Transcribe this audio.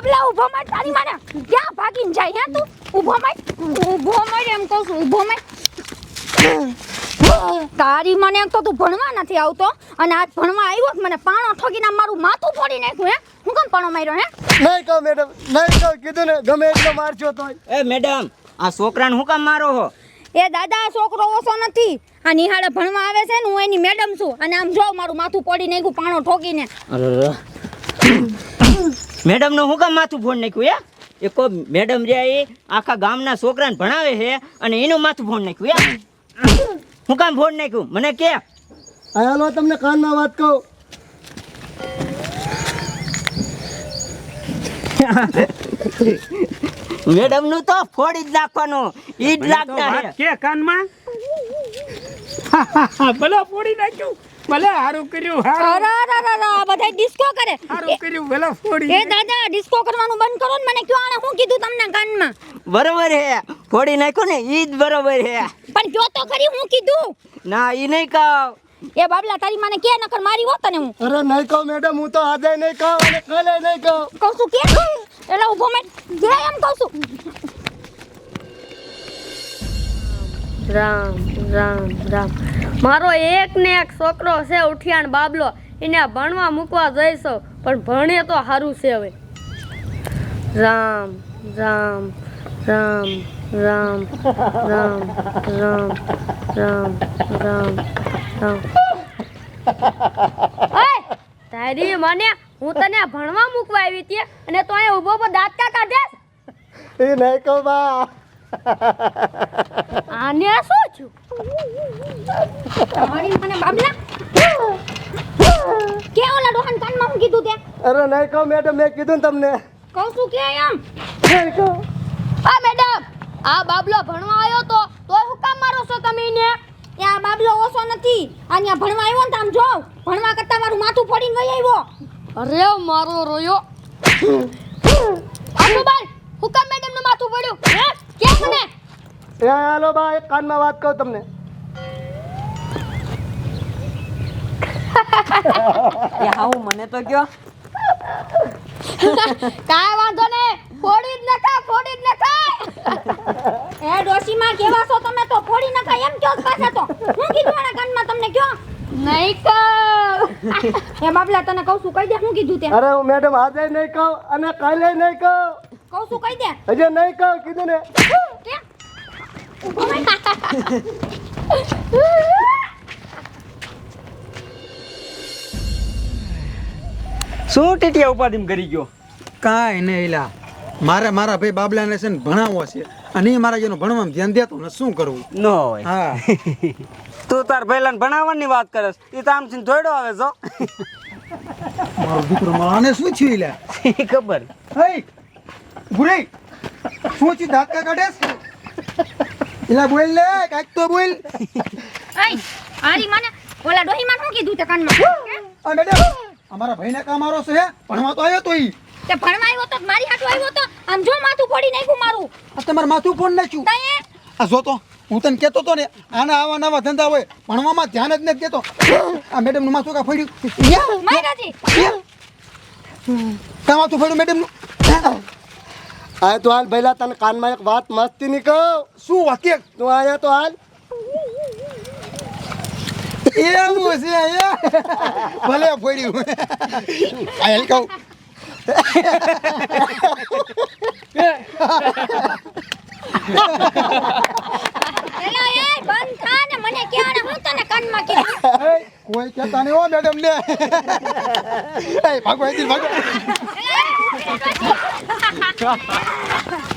બાબલા ઊભો માર તારી માને ક્યાં ભાગીને જાય હે તું ઊભો માર એમ કહું છું ઊભો માર તારી મને એમ તો તું ભણવા નથી આવતો અને આજ ભણવા આવ્યો મને પાણો ઠોકીને મારું માથું ફોડી નાખ્યું હે હું કેમ પાણો માર્યો હે નહીં કહો મેડમ નહીં કહો કીધું ને ગમે એટલો મારજો તોય એ મેડમ આ છોકરાને હું કામ મારો હો એ દાદા છોકરો ઓછો નથી આ નિહાળે ભણવા આવે છે ને હું એની મેડમ છું અને આમ જો મારું માથું ફોડી નાખ્યું પાણો ઠોકીને મેડમ નું હું કામ માથું ફોડ નાખ્યું એ કો મેડમ જે એ આખા ગામના છોકરાને ભણાવે છે અને એનું માથું ફોડ નાખ્યું હું કામ ફોડ નાખ્યું મને કે હાલો તમને કાનમાં વાત કહું મેડમ નું તો ફોડી જ નાખવાનું ઈ જ લાગતા વાત કે કાનમાં ભલે ફોડી નાખ્યું ભલે હારું કર્યું હારું બધા ડિસ્કો કરે હારું કર્યું ભલે ફોડી એ દાદા ડિસ્કો કરવાનું બંધ કરો ને મને કયો આને શું કીધું તમને કાનમાં બરોબર હે ફોડી નાખ્યું ને ઈ જ બરોબર હે પણ કયો તો ખરી હું કીધું ના ઈ નહીં કહું એ બાબલા તારી માને કે નકર મારી હોત ને હું અરે નહીં કહો મેડમ હું તો આજે નહીં કહું અને કાલે નહીં કહું કહું છું કે એટલે ઊભો મેં કે એમ કહું છું રામ રામ રામ મારો એક ને એક છોકરો છે ઉઠિયાણ બાબલો એને ભણવા મૂકવા જઈશો પણ ભણે તો સારું છે હવે રામ રામ રામ રામ રામ રામ રામ રામ રામ ઓય તારી મને હું તને ભણવા મૂકવા આવી હતી અને તો અહીંયા ઊભો ઊભો દાંત કાઢે એ નહીં કહો બા આને શું છું તમારી મને બાબલા કે ઓલા ડોહન કાનમાં હું કીધું તે અરે નહીં કહો મેડમ મેં કીધું ને તમને કહું છું કે એમ નહીં કહો આ મેડમ આ બાબલો ભણવા આવ્યો તો તોય હું કામ મારો છો તમે એને એ આ બાબલો ઓછો નથી અહીંયા ભણવા આવ્યો ને આમ જો ભણવા કરતા મારું માથું ફોડીને વહી આવ્યો અરે મારો રોયો આનું બાલ હું કામ મેડમ નું માથું પડ્યું હે કે મને એ હાલો બા એક કાનમાં વાત કહું તમને એ હાઉ મને તો કયો કાઈ વાંધો ને ફોડી જ નખા એ ડોશીમાં કેવા છો તમે તો ફોડી નખાય એમ કયો પાછા તો હું કીધું આના કાનમાં તમને કયો નહીં કહું એ બાબલા તને કહું છું કહી દે હું કીધું તે અરે હું મેડમ આજે નહીં કહું અને કાલે નહીં કહું કહું છું કહી દે હજે નહીં કહું કીધું ને કે ઊભો રહી. શું ટીટિયા ઉપાધિમ કરી ગયો કાંઈ નહીં એલા મારા ભાઈ બાબલાને છે ને ભણાવવો છે અને એ મારા જેનું ભણવામાં ધ્યાન દેતો ને શું કરવું ન હોય હા તું તાર પહેલા ભણાવવાની વાત કરસ એ તો આમ થી જોડો આવે છો મારો દીકરો માને શું થયું એલા ખબર હે ગુરે શું થયું દાંત કાઢેસ એલા બોલ લે કાંઈક તો બોલ આઈ આરી મને ઓલા ડોહીમાં શું કીધું તે કાનમાં આ મેડમ અમારા ભાઈને કામ મારો છે ભણવા તો આવ્યો તો ઈ તે ભણવા આવ્યો તો મારી હાટુ આવ્યો તો આમ જો માથું ફોડી નાખ્યું મારું આ તમારે માથું ફોન નાખ્યું તઈએ આ જો તો હું તને કહેતો તો ને આના આવા નવા ધંધા હોય ભણવામાં ધ્યાન જ નથી દેતો આ મેડમ નું માથું કા ફોડ્યું મારાજી કા માથું ફોડ્યું મેડમ નું આ તો હાલ ભઈલા તને કાનમાં એક વાત મસ્તી ની કહું શું વાક્ય તું આયા તો હાલ એવું છે ભલે ફોડ્યું આ હેલ કહું એલા એ બંધ થા ને મને ક્યાં હું તને કાનમાં કીધું કોઈ કહેતા નહીં હો મેડમ ને ભાગો અહીંથી ભાગો એલા,